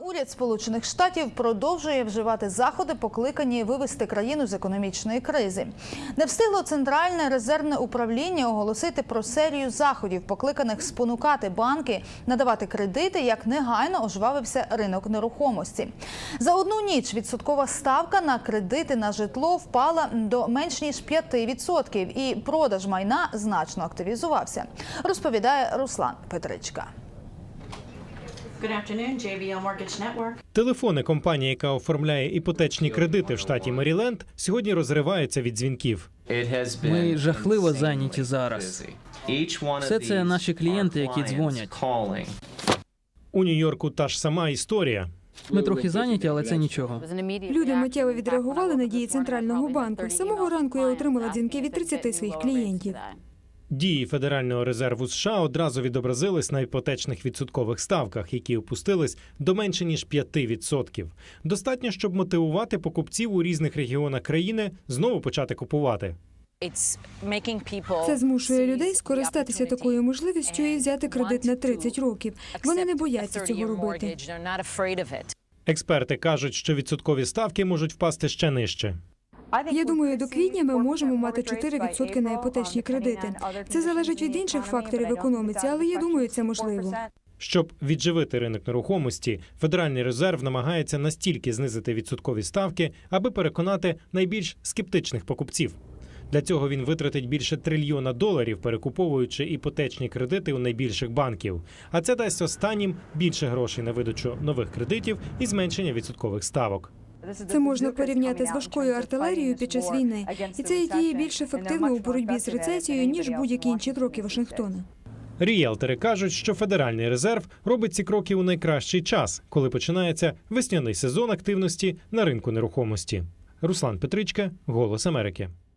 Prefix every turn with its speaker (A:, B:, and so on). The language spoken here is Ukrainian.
A: Уряд Сполучених Штатів продовжує вживати заходи, покликані вивести країну з економічної кризи. Не встигло Центральне резервне управління оголосити про серію заходів, покликаних спонукати банки надавати кредити, як негайно ожвавився ринок нерухомості. За одну ніч відсоткова ставка на кредити на житло впала до менш ніж 5%, і продаж майна значно активізувався, розповідає Руслан Петричка.
B: Телефони компанії, яка оформляє іпотечні кредити в штаті Меріленд, сьогодні розриваються від дзвінків.
C: Ми жахливо зайняті зараз. Все це наші клієнти, які дзвонять.
B: У Нью-Йорку та ж сама історія.
C: Ми трохи зайняті, але це нічого.
D: Люди миттєво відреагували на дії Центрального банку. З самого ранку я отримала дзвінки від 30 своїх клієнтів.
B: Дії Федерального резерву США одразу відобразились на іпотечних відсоткових ставках, які опустились до менше ніж 5%. Достатньо, щоб мотивувати покупців у різних регіонах країни знову почати купувати.
D: Це змушує людей скористатися такою можливістю і взяти кредит на 30 років. Вони не бояться цього робити.
B: Експерти кажуть, що відсоткові ставки можуть впасти ще нижче.
D: Я думаю, до квітня ми можемо мати 4% на іпотечні кредити. Це залежить від інших факторів в економіці, але я думаю, це можливо.
B: Щоб відживити ринок нерухомості, Федеральний резерв намагається настільки знизити відсоткові ставки, аби переконати найбільш скептичних покупців. Для цього він витратить більше $1 трильйона, перекуповуючи іпотечні кредити у найбільших банків. А це дасть останнім більше грошей на видачу нових кредитів і зменшення відсоткових ставок.
D: Це можна порівняти з важкою артилерією під час війни. І це діє більш ефективно у боротьбі з рецесією, ніж будь-які інші кроки Вашингтона.
B: Ріелтори кажуть, що Федеральний резерв робить ці кроки у найкращий час, коли починається весняний сезон активності на ринку нерухомості. Руслан Петричка, «Голос Америки».